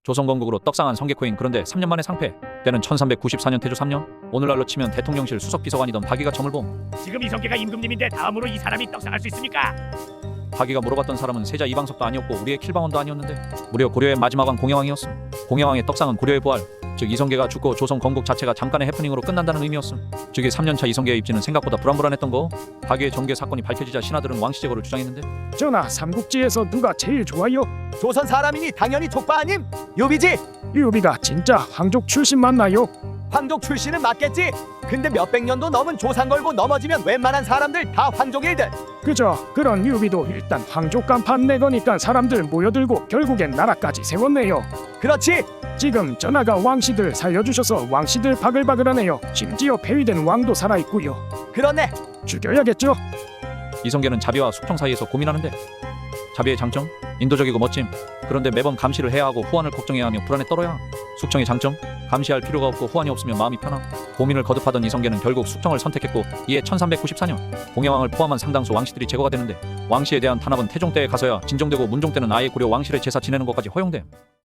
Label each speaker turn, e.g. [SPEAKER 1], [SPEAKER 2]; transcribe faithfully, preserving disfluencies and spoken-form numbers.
[SPEAKER 1] 조선 건국으로 떡상한 성계코인. 그런데 삼 년 만에 상패. 때는 천삼백구십사 년 태조 삼 년. 오늘날로 치면 대통령실 수석비서관이던 박이가 점을 봄.
[SPEAKER 2] 지금 이성계가 임금님인데 다음으로 이 사람이 떡상할 수 있습니까?
[SPEAKER 1] 박이가 물어봤던 사람은 세자 이방석도 아니었고 우리의 킬방원도 아니었는데 무려 고려의 마지막 왕 공양왕이었음. 공양왕의 떡상은 고려의 부활, 즉 이성계가 죽고 조선 건국 자체가 잠깐의 해프닝으로 끝난다는 의미였음. 즉이 삼 년차 이성계의 입지는 생각보다 불안불안했던 거. 박이의 정계 사건이 밝혀지자 신하들은 왕씨 제거를 주장했는데
[SPEAKER 3] 전하, 삼국지에서 누가 제일 좋아요?
[SPEAKER 4] 조선 사람이니 당연히 족바 아님? 유비지?
[SPEAKER 3] 유비가 진짜 황족 출신 맞나요?
[SPEAKER 4] 황족 출신은 맞겠지? 근데 몇백 년도 넘은 조상 걸고 넘어지면 웬만한 사람들 다 황족일들.
[SPEAKER 3] 그저 그런 유비도 일단 황족 간판 내거니까 사람들 모여들고 결국엔 나라까지 세웠네요.
[SPEAKER 4] 그렇지?
[SPEAKER 3] 지금 전하가 왕씨들 살려주셔서 왕씨들 바글바글하네요. 심지어 폐위된 왕도 살아있고요.
[SPEAKER 4] 그러네.
[SPEAKER 3] 죽여야겠죠?
[SPEAKER 1] 이성계는 자비와 숙청 사이에서 고민하는데 자비의 장점? 인도적이고 멋짐. 그런데 매번 감시를 해야 하고 후환을 걱정해야 하며 불안에 떨어야. 숙청의 장점? 감시할 필요가 없고 후환이 없으면 마음이 편함. 고민을 거듭하던 이성계는 결국 숙청을 선택했고 이에 천삼백구십사 년 공양왕을 포함한 상당수 왕씨들이 제거가 되는데 왕씨에 대한 탄압은 태종 때에 가서야 진정되고 문종 때는 아예 고려 왕실의 제사 지내는 것까지 허용됨.